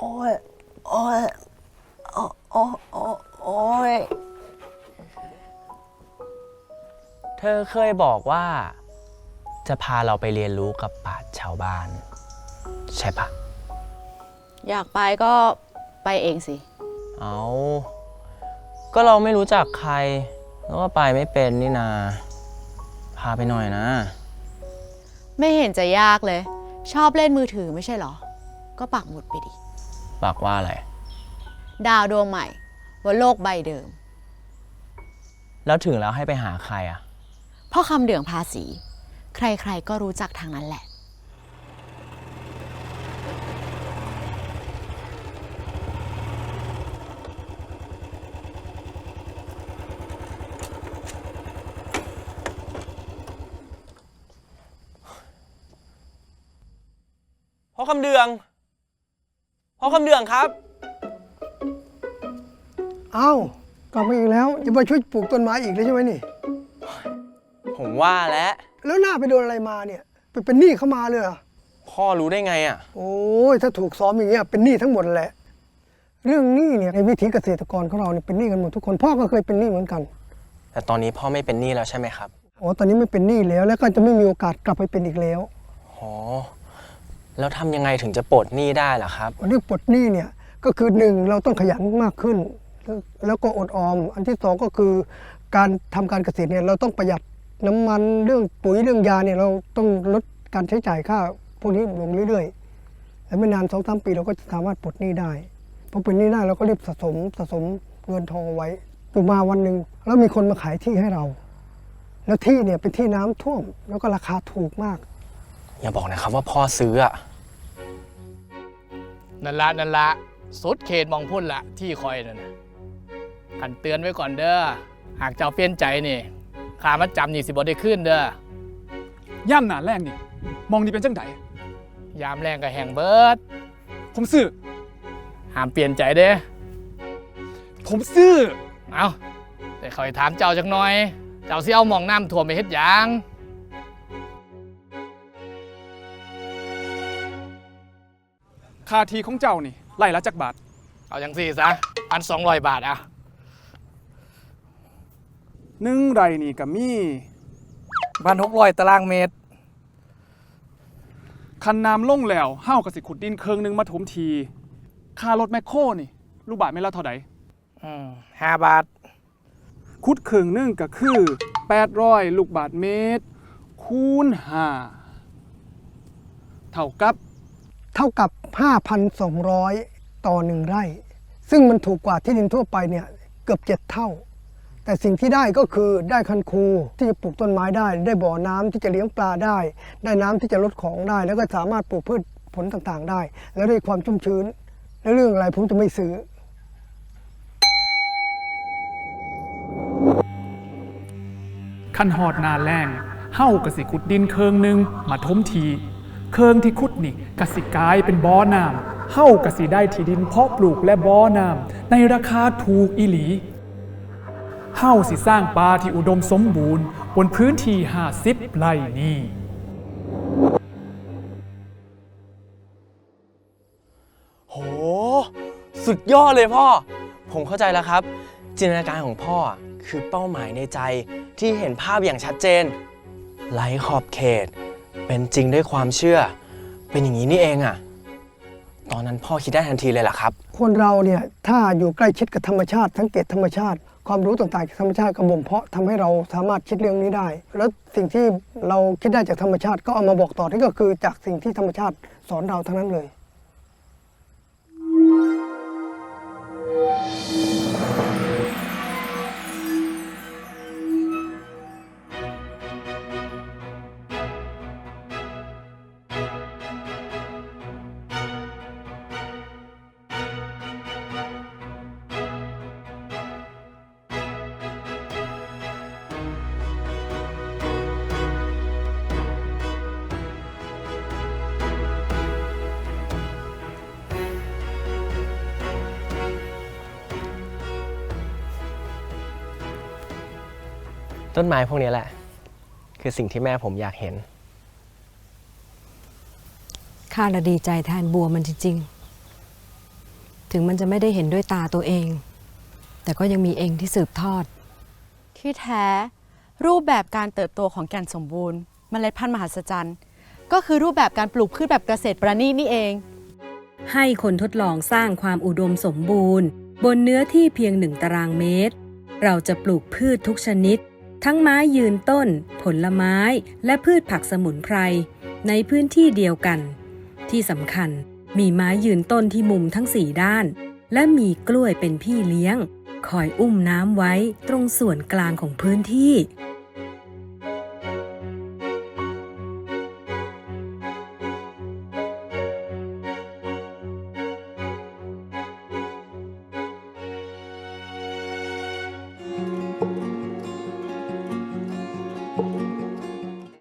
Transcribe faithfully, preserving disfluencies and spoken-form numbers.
อ้ยโอ้ยโอ้โอ้โอ้โอ้ยเธอเคยบอกว่าจะพาเราไปเรียนรู้กับปราชญ์ชาวบ้านใช่ปะอยากไปก็ไปเองสิเอาก็เราไม่รู้จักใครแล้วก็ไปไม่เป็นนี่นาพาไปหน่อยนะไม่เห็นจะยากเลยชอบเล่นมือถือไม่ใช่หรอก็ปักหมุดไปดิปักว่าอะไรดาวดวงใหม่บนโลกใบเดิมแล้วถึงแล้วให้ไปหาใครอ่ะพ่อคำเดืองภาษีใครๆก็รู้จักทางนั้นแหละพ่อคำเดืองพ่อคำเดืองครับอ้าวกลับมาอีกแล้วจะมาช่วยปลูกต้นไม้อีกแล้วใช่ไหมนี่ผมว่าแล้วแล้วหน้าไปโดนอะไรมาเนี่ยไปเป็นหนี้เข้ามาเลยเหรอพ่อรู้ได้ไงอ่ะโอ้ยถ้าถูกซ้อมอย่างเงี้ยเป็นหนี้ทั้งหมดแหละเรื่องหนี้เนี่ยในวิถีเกษตรกรของเราเนี่ยเป็นหนี้กันหมดทุกคนพ่อก็เคยเป็นหนี้เหมือนกันแต่ตอนนี้พ่อไม่เป็นหนี้แล้วใช่ไหมครับอ๋อตอนนี้ไม่เป็นหนี้แล้วแล้วก็จะไม่มีโอกาสกลับไปเป็นอีกแล้วอ๋อแล้วทำยังไงถึงจะปลดหนี้ได้ล่ะครับเรื่องปลดหนี้เนี่ยก็คือหนึ่งเราต้องขยันมากขึ้นแล้วก็อดออมอันที่สองก็คือการทำการเกษตรเนี่ยเราต้องประหยัดน้ำมันเรื่องปุ๋ยเรื่องยาเนี่ยเราต้องลดการใช้จ่ายค่าพวกนี้ลงเรื่อยๆแล้วไม่นานสองสามปีเราก็จะสามารถปลดหนี้ได้พอปลดหนี้ได้เราก็รีบสะสมสะสมเงินทองไว้อยู่มาวันหนึ่งแล้วมีคนมาขายที่ให้เราแล้วที่เนี่ยเป็นที่น้ำท่วมแล้วก็ราคาถูกมากอย่าบอกนะครับว่าพ่อซื้ออะนั่นละนั่นละสุดเขตมองพุ่นละที่คอยนั่นนะขันเตือนไว้ก่อนเด้อหากเจ้าเปลี่ยนใจนี่ค่ามัดจำนี่สิบ่ได้ขึ้นเด้อย่ำหนาแรงนี่มองนี่เป็นจังไดยามแรงกับแห่งเบิดผมซื้อห้ามเปลี่ยนใจเด้ผมซื้อเอาแต่คอยถามเจ้าจักหน่อยเจ้าสิเอาหม่องน้ำท่วมไปเฮ็ดหยังค่าทีของเจ้านี่ไล่ละจักบาทเอาจังสี่ซะพันสองร้อยบาทอ่ะหนึ่งไร่นี่ก็มีพันหกร้อยตารางเมตรคันน้ำลงแล้วเฮ้ากับสิขุดดินเคิงนึงมาถมทีค่ารถแมคโครนี่ลูกบาทไม่ละเท่าไหร่อืมห้าบาทขุดเคิงนึงก็คือแปดร้อยลูกบาทเมตรคูณห้าเท่ากับเท่ากับ ห้าพันสองร้อย ต่อหนึ่งไร่ซึ่งมันถูกกว่าที่ดินทั่วไปเนี่ยเกือบเจ็ดเท่าแต่สิ่งที่ได้ก็คือได้คันคูที่จะปลูกต้นไม้ได้ได้บ่อน้ำที่จะเลี้ยงปลาได้ได้น้ำที่จะลดของได้แล้วก็สามารถปลูกพืชผลต่างๆได้แล้วได้ความชุ่มชื้นและเรื่องอะไรผมจะไม่ซื้อคันหอดนาแรงเฮ้ากสิขุดดินเคิงนึงมาถมทีเคิงที่ขุดนี่กสิกลายเป็นบ่อน้ำเฮ้ากสิได้ที่ดินเพาะปลูกและบ่อน้ำในราคาถูกอีหลีเฮ้าสิสร้างป่าที่อุดมสมบูรณ์บนพื้นที่ห้าสิบไร่นี้โหสุดยอดเลยพ่อผมเข้าใจแล้วครับจินตนาการของพ่อคือเป้าหมายในใจที่เห็นภาพอย่างชัดเจนไร้ขอบเขตเป็นจริงด้วยความเชื่อเป็นอย่างนี้นี่เองอะตอนนั้นพ่อคิดได้ทันทีเลยเหรอครับคนเราเนี่ยถ้าอยู่ใกล้ชิดกับธรรมชาติสังเกตธรรมชาติความรู้ต่างๆจากธรรมชาติกระบ่มเพาะทำให้เราสามารถคิดเรื่องนี้ได้แล้วสิ่งที่เราคิดได้จากธรรมชาติก็เอามาบอกต่อนี่ก็คือจากสิ่งที่ธรรมชาติสอนเราทั้งนั้นเลยต้นไม้พวกนี้แหละคือสิ่งที่แม่ผมอยากเห็นข้าละดีใจแทนบัวมันจริงถึงมันจะไม่ได้เห็นด้วยตาตัวเอง แต่ก็ยังมีเองที่สืบทอดที่แท้รูปแบบการเติบโตของแก่นสมบูรณ์เมล็ดพันธุ์มหัศจรรย์ก็คือรูปแบบการปลูกพืชแบบเกษตรประณีตนี่เองให้คนทดลองสร้างความอุดมสมบูรณ์บนเนื้อที่เพียงหนึ่งตารางเมตรเราจะปลูกพืชทุกชนิดทั้งไม้ยืนต้นผลไม้และพืชผักสมุนไพรในพื้นที่เดียวกันที่สำคัญมีไม้ยืนต้นที่มุมทั้งสี่ด้านและมีกล้วยเป็นพี่เลี้ยงคอยอุ้มน้ำไว้ตรงส่วนกลางของพื้นที่